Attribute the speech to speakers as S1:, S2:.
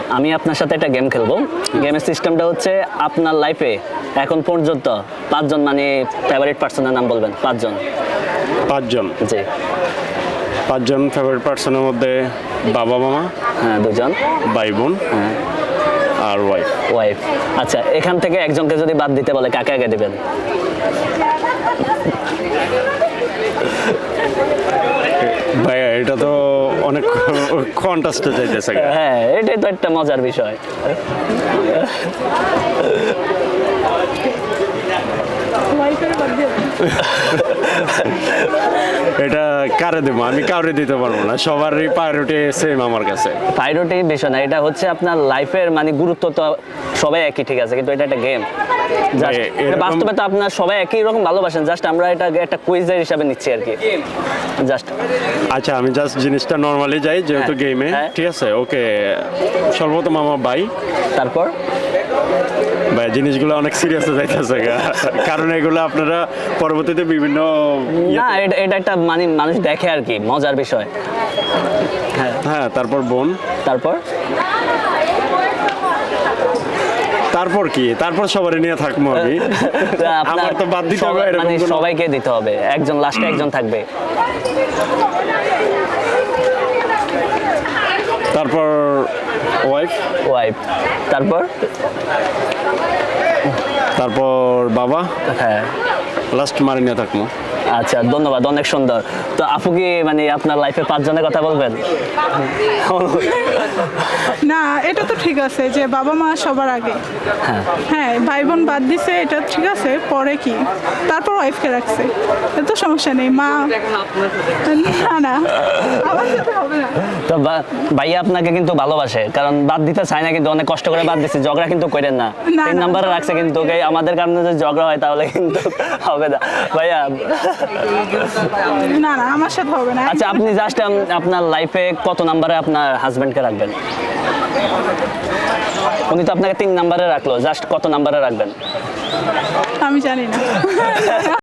S1: আমি আপনার সাথে একটা গেম খেলবো। গেমের সিস্টেমটা হচ্ছে আপনার লাইফে এখন পর্যন্ত 5 জন মানে ফেভারিট পার্সনের নাম বলবেন। 5 জন।
S2: 5 জন।
S1: জি।
S2: 5 জন ফেভারিট পার্সনের মধ্যে বাবা মামা,
S1: হ্যাঁ 2 জন,
S2: ভাই বোন আর ওয়াইফ।
S1: ওয়াইফ। আচ্ছা, এখান থেকে একজনকে যদি বাদ দিতে বলে কাকে আগে দিবেন?
S2: ভাইয়া এটা তো অনেক কন্টাস্টে যাইতেছে।
S1: হ্যাঁ, এটাই তো একটা মজার বিষয়।
S2: এটা কারে দেবো? আমি কাউরে দিতে পারবো না, সবারই প্রায়োরিটি সেম আমার কাছে।
S1: প্রায়োরিটি বিষয় না, এটা হচ্ছে আপনার লাইফের মানে গুরুত্ব তো সবাই একই, ঠিক আছে, কিন্তু এটা একটা গেম। বাস্তবে তো আপনার সবাই একই রকম ভালোবাসেন, জাস্ট আমরা এটা একটা কুইজের হিসাবে নিচ্ছি আর কি, জাস্ট।
S2: আচ্ছা, আমি জাস্ট জিনিসটা নর্মালি যাই যেহেতু গেমে, ঠিক আছে? ওকে, সর্বপ্রথম আমার ভাই।
S1: তারপর
S2: ভাই জিনিসগুলো অনেক সিরিয়াসে যাইতেছে, কারণ এগুলো আপনারা পরবর্তীতে বিভিন্ন
S1: না, এটা একটা মানে মানুষ দেখে আর কি, মজার বিষয়।
S2: হ্যাঁ, তারপর বোন। তারপর কি? তারপর সবারই নিয়ে থাকবো আমি। আমার তো বাদ দিতে হবে,
S1: মানে সবাইকে দিতে হবে, একজন লাস্টে একজন থাকবে।
S2: তারপর ওয়াইফ। তারপর বাবা।
S1: হ্যাঁ,
S2: লাস্ট মারি নিয়ে থাকবো।
S1: আচ্ছা, ধন্যবাদ, অনেক সুন্দর। তো আপু কি মানে আপনার লাইফে 5 জনের কথা বলবেন?
S3: না, এটা তো ঠিক আছে যে বাবা মা সবার আগে। হ্যাঁ, ভাই বোন বাদ দিছে, এটা ঠিক আছে। পরে কি? তারপর ওয়াইফকে রাখছে, এত সমস্যা নেই। মা না, আমার সাথে হবে না।
S1: তো ভাইয়া আপনাকে কিন্তু ভালোবাসে, কারণ বাদ দিতে চায় না, কিন্তু অনেক কষ্ট করে বাদ দিচ্ছে। ঝগড়া কিন্তু করেন না, 3 নম্বরে রাখছে, কিন্তু আমাদের কারণে যদি ঝগড়া হয় তাহলে কিন্তু হবে না ভাইয়া।
S3: না, আমার সাথে হবে না।
S1: আচ্ছা, আপনি জাস্ট আপনার লাইফে কত নম্বরে আপনার হাজবেন্ডকে রাখবেন? উনি তো আপনাকে 3 নম্বরে রাখলো, জাস্ট কত নম্বরে রাখবেন?
S3: আমি জানি না।